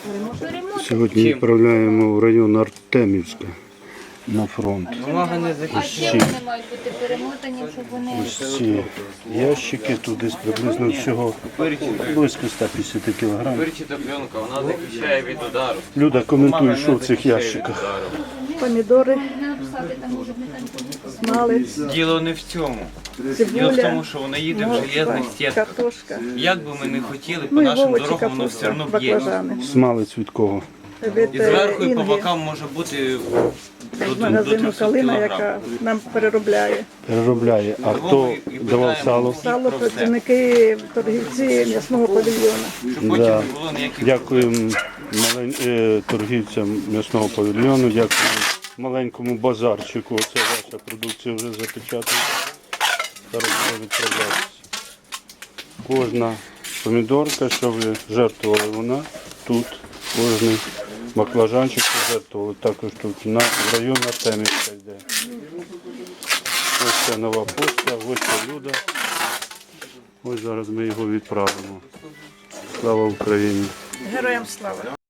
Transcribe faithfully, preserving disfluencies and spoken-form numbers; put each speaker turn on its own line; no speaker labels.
Сьогодні відправляємо в район Артемівська на фронт.
А ще вони мають бути перемотані, щоб вони...
Ось ці ящики, тут десь приблизно всього близько ста п'ятдесят кілограмів.
Вирчита пленка, вона захищає від удару.
Люда, коментуй, що в цих ящиках.
Помідори,
Написати там може не там.
смалець,
Діло не в цьому. Діло в
цибуля,
тому, що вона їде в железних стінках.
картошка,
Як би ми не хотіли, по
ну і
нашим
овочі,
дорогам воно все
капуста,
одно б'є.
баклажани.
Смалець від кого?
Від
І зверху, і по
Інги,
бокам може бути до,
з
до
магазину
трьохсот
«Калина»,
кілограм.
яка нам переробляє.
Переробляє. А хто давав сало?
Сало працівники, торгівці м'ясного павільйона.
Щоб потім
Да.
не було ніяких...
Дякуємо малень... е, торгівцям м'ясного павільйону, дякуємо маленькому базарчику. Оце ваша продукція вже запечатана. Зараз буде відправлятися. Кожна помідорка, що ви жертвували, вона тут. Кожний баклажанчик пожертвували. Також тут на в район Артемівська йде. Ось ця нова пошта, ось ця Люда. Ось зараз ми його відправимо. Слава Україні!
Героям слава!